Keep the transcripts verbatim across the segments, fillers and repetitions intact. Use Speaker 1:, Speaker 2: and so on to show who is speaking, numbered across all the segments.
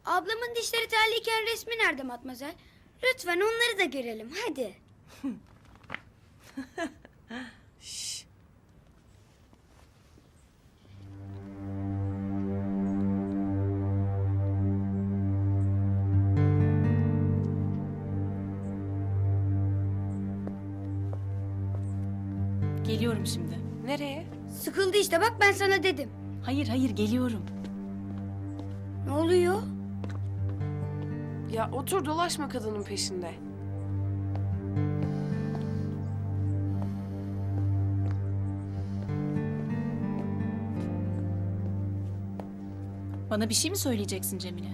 Speaker 1: Ablamın dişleri terliyken resmi nerede Matmazel? Lütfen onları da görelim hadi.
Speaker 2: Şş.
Speaker 3: Geliyorum şimdi.
Speaker 2: Nereye?
Speaker 1: Sıkıldı işte bak ben sana dedim.
Speaker 3: Hayır hayır geliyorum.
Speaker 1: Ne oluyor?
Speaker 2: Ya otur dolaşma kadının peşinde.
Speaker 3: Bana bir şey mi söyleyeceksin Cemile?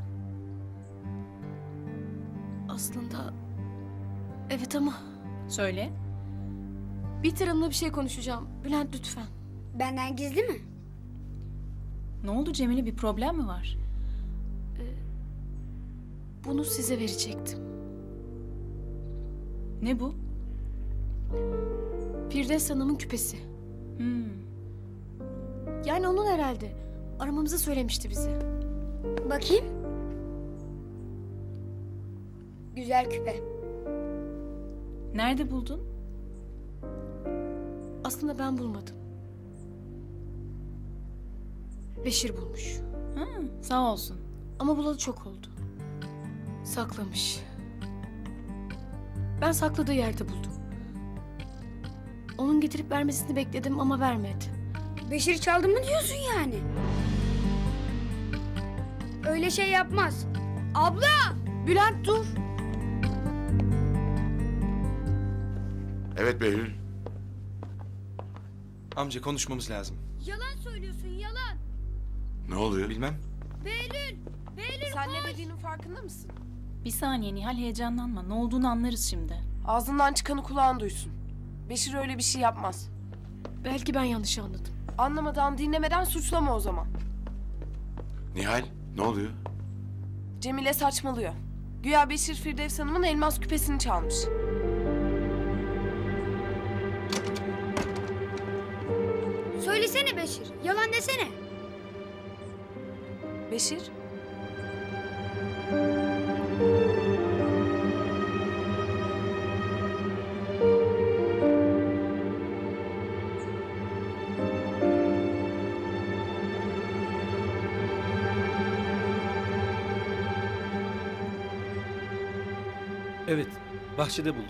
Speaker 4: Aslında evet ama
Speaker 3: Söyle.
Speaker 4: Bihter Hanım'la bir şey konuşacağım. Bülent lütfen.
Speaker 1: Benden gizli mi?
Speaker 3: Ne oldu Cemile, bir problem mi var?
Speaker 4: Bunu size verecektim.
Speaker 3: Ne bu?
Speaker 4: Firdevs Hanım'ın küpesi.
Speaker 3: Hmm.
Speaker 4: Yani onun herhalde. Aramamızı söylemişti bize.
Speaker 1: Bakayım. Güzel küpe.
Speaker 3: Nerede buldun?
Speaker 4: Aslında ben bulmadım. Beşir bulmuş.
Speaker 3: Ha, sağ olsun.
Speaker 4: Ama bulalı çok oldu. Saklamış. Ben sakladığı yerde buldum. Onun getirip vermesini bekledim ama vermedi.
Speaker 1: Beşir çaldı mı diyorsun yani? Öyle şey yapmaz. Abla!
Speaker 4: Bülent dur.
Speaker 5: Evet Behlül.
Speaker 6: Amca konuşmamız lazım.
Speaker 1: Yalan söylüyorsun yalan.
Speaker 5: Ne oluyor?
Speaker 6: Bilmem.
Speaker 1: Behlül! Behlül
Speaker 2: Sen ne dediğinin farkında mısın?
Speaker 3: Bir saniye Nihal, heyecanlanma. Ne olduğunu anlarız şimdi.
Speaker 2: Ağzından çıkanı kulağın duysun. Beşir öyle bir şey yapmaz.
Speaker 4: Belki ben yanlış anladım.
Speaker 2: Anlamadan, dinlemeden suçlama o zaman.
Speaker 5: Nihal, ne oluyor?
Speaker 2: Cemile saçmalıyor. Güya Beşir Firdevs Hanım'ın elmas küpesini çalmış.
Speaker 1: Söylesene Beşir. Yalan desene.
Speaker 2: Beşir?
Speaker 6: Evet, bahçede buldum.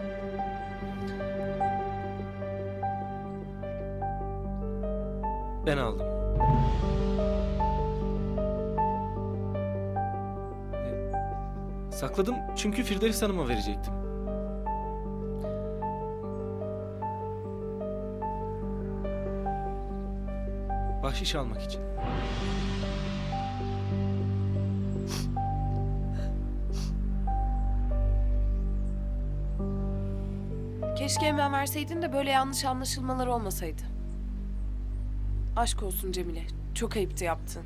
Speaker 6: Ben aldım. E, Sakladım çünkü Firdevs Hanım'a verecektim. Bahşiş almak için.
Speaker 2: Keşke hemen verseydin de böyle yanlış anlaşılmalar olmasaydı. Aşk olsun Cemile. Çok ayıptı yaptın.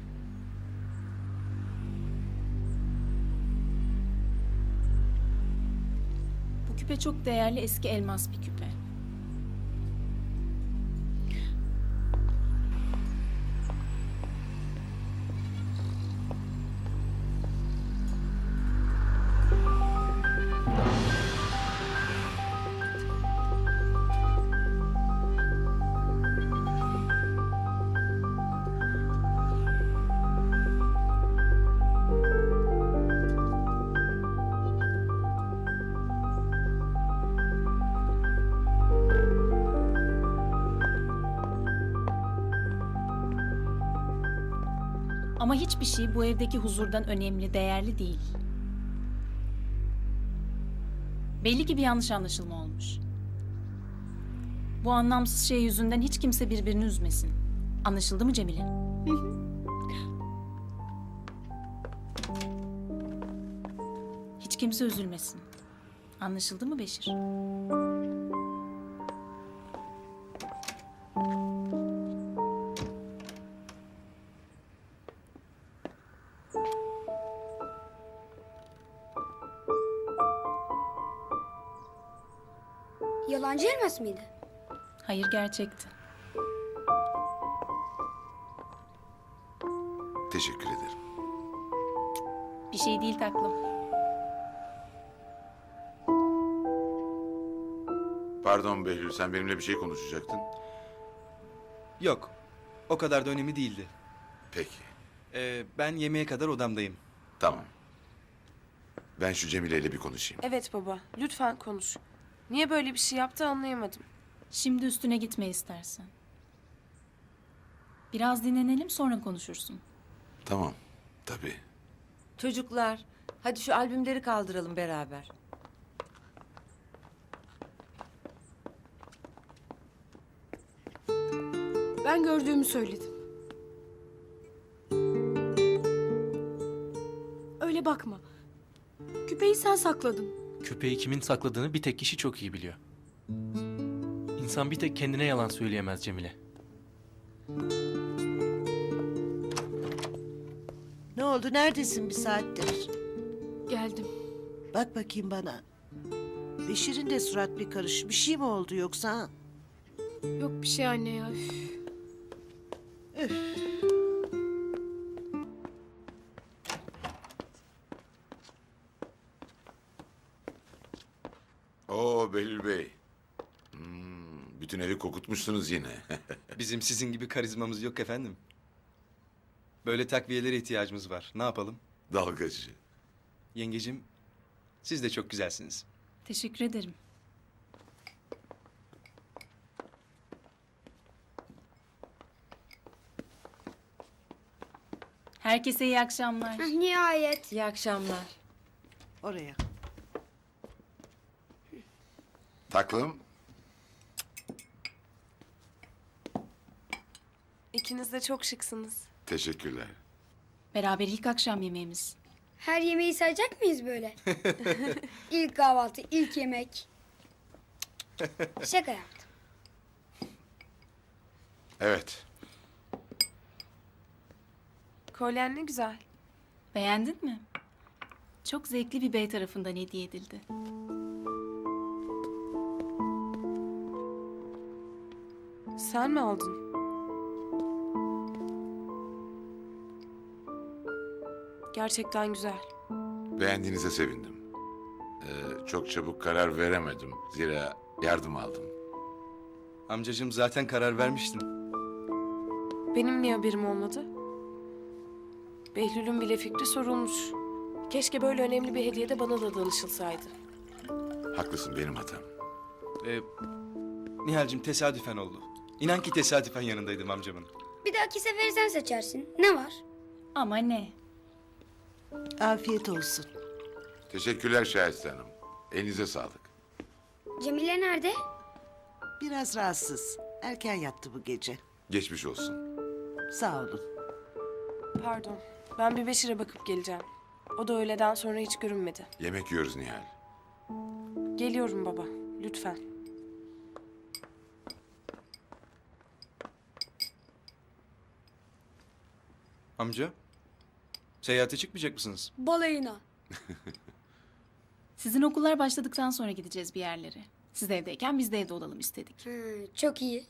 Speaker 3: Bu küpe çok değerli, eski elmas bir küpe. Ama hiçbir şey bu evdeki huzurdan önemli, değerli değil. Belli ki bir yanlış anlaşılma olmuş. Bu anlamsız şey yüzünden hiç kimse birbirini üzmesin. Anlaşıldı mı Cemile? Hiç kimse üzülmesin. Anlaşıldı mı Beşir?
Speaker 1: Yalancı elmas mıydı?
Speaker 3: Hayır, gerçekti.
Speaker 5: Teşekkür ederim.
Speaker 3: Bir şey değil taklım.
Speaker 5: Pardon Behlül, sen benimle bir şey konuşacaktın.
Speaker 7: Yok. O kadar da önemli değildi.
Speaker 5: Peki,
Speaker 7: Ee, ben yemeğe kadar odamdayım.
Speaker 5: tamam. Ben şu Cemile ile bir konuşayım.
Speaker 2: Evet baba, lütfen konuş. Niye böyle bir şey yaptı anlayamadım.
Speaker 3: Şimdi üstüne gitme istersen. Biraz dinlenelim sonra konuşursun.
Speaker 5: Tamam, tabii.
Speaker 8: Çocuklar, hadi şu albümleri kaldıralım beraber.
Speaker 4: Ben gördüğümü söyledim. Öyle bakma. Küpeyi sen sakladın.
Speaker 6: Küpeyi kimin sakladığını bir tek kişi çok iyi biliyor. İnsan bir tek kendine yalan söyleyemez Cemile.
Speaker 9: Ne oldu? Neredesin bir saattir?
Speaker 4: Geldim.
Speaker 9: Bak bakayım bana. Beşir'in de surat bir karış. Bir şey mi oldu yoksa? ha?
Speaker 4: Yok bir şey anne ya. Üf.
Speaker 5: Oo Behlül Bey. Hmm, bütün evi kokutmuşsunuz yine.
Speaker 7: Bizim sizin gibi karizmamız yok efendim. Böyle takviyelere ihtiyacımız var. Ne yapalım?
Speaker 5: Dalgacı.
Speaker 7: Yengecim, siz de çok güzelsiniz.
Speaker 3: Teşekkür ederim. Herkese iyi akşamlar.
Speaker 1: Hah, nihayet.
Speaker 8: İyi akşamlar.
Speaker 9: Oraya.
Speaker 5: Taklım.
Speaker 2: İkiniz de çok şıksınız.
Speaker 5: Teşekkürler.
Speaker 3: Beraber ilk akşam yemeğimiz.
Speaker 1: Her yemeği sayacak mıyız böyle? İlk kahvaltı, ilk yemek. Şaka yaptım.
Speaker 5: Evet.
Speaker 2: Kolyen ne güzel.
Speaker 3: Beğendin mi? Çok zevkli bir bey tarafından hediye edildi.
Speaker 2: Sen mi aldın? Gerçekten güzel.
Speaker 5: Beğendiğinize sevindim. Ee, çok çabuk karar veremedim. Zira yardım aldım.
Speaker 7: Amcacığım zaten karar vermiştim.
Speaker 2: Benim niye haberim olmadı? Behlül'ün bile fikri sorulmuş. Keşke böyle önemli bir hediye de bana da danışılsaydı.
Speaker 5: Haklısın, benim hatam.
Speaker 7: Ee, Nihal'cim tesadüfen oldu. İnan ki tesadüfen yanındaydım amcamın.
Speaker 1: Bir dahaki sefere sen seçersin. Ne var?
Speaker 3: Ama ne?
Speaker 9: Afiyet olsun.
Speaker 5: Teşekkürler Şahiste Hanım. Elinize sağlık.
Speaker 1: Cemile nerede?
Speaker 9: Biraz rahatsız. Erken yattı bu gece.
Speaker 5: Geçmiş olsun.
Speaker 9: Sağ olun.
Speaker 2: Pardon. Ben bir Beşir'e bakıp geleceğim. O da öğleden sonra hiç görünmedi.
Speaker 5: Yemek yiyoruz Nihal.
Speaker 2: Geliyorum baba. Lütfen.
Speaker 7: Amca, seyahate çıkmayacak mısınız?
Speaker 1: Balayına.
Speaker 3: Sizin okullar başladıktan sonra gideceğiz bir yerlere. Siz evdeyken biz de evde olalım istedik.
Speaker 1: Hı, çok iyi.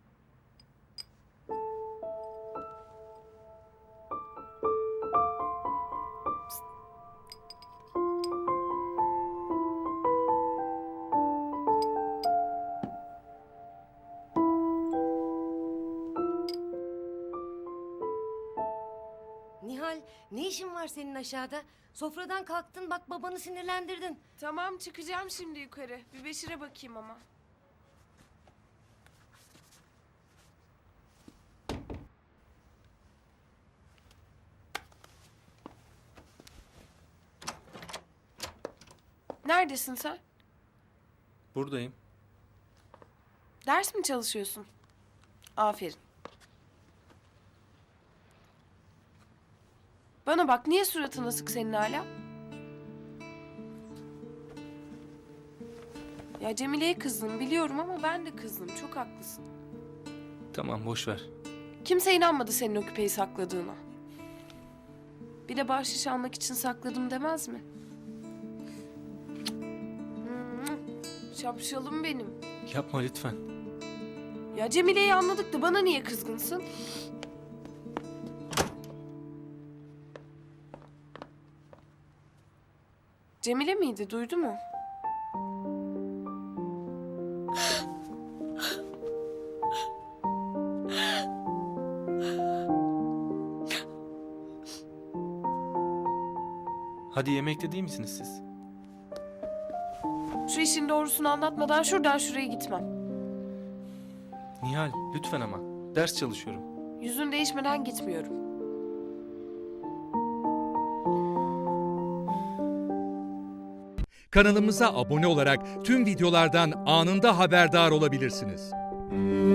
Speaker 8: Nihal, ne işin var senin aşağıda? Sofradan kalktın, bak babanı sinirlendirdin.
Speaker 2: Tamam çıkacağım şimdi yukarı. Bir Beşir'e bakayım ama. Neredesin sen?
Speaker 6: Buradayım.
Speaker 2: Ders mi çalışıyorsun? Aferin. Bana bak, niye suratın asık senin hala? Ya Cemile'ye kızdım biliyorum ama ben de kızdım. Çok haklısın.
Speaker 6: Tamam, boş ver.
Speaker 2: Kimse inanmadı senin o küpeyi sakladığına. Bir de bahşiş almak için sakladım demez mi? Hmm, şapşalım benim.
Speaker 6: Yapma lütfen.
Speaker 2: Ya Cemile'yi anladık da bana niye kızgınsın? Cemile miydi? Duydu mu?
Speaker 6: Hadi yemekte değil misiniz siz?
Speaker 2: Şu işin doğrusunu anlatmadan şuradan şuraya gitmem.
Speaker 6: Nihal, lütfen ama. Ders çalışıyorum.
Speaker 2: Yüzün değişmeden gitmiyorum.
Speaker 10: Kanalımıza abone olarak tüm videolardan anında haberdar olabilirsiniz.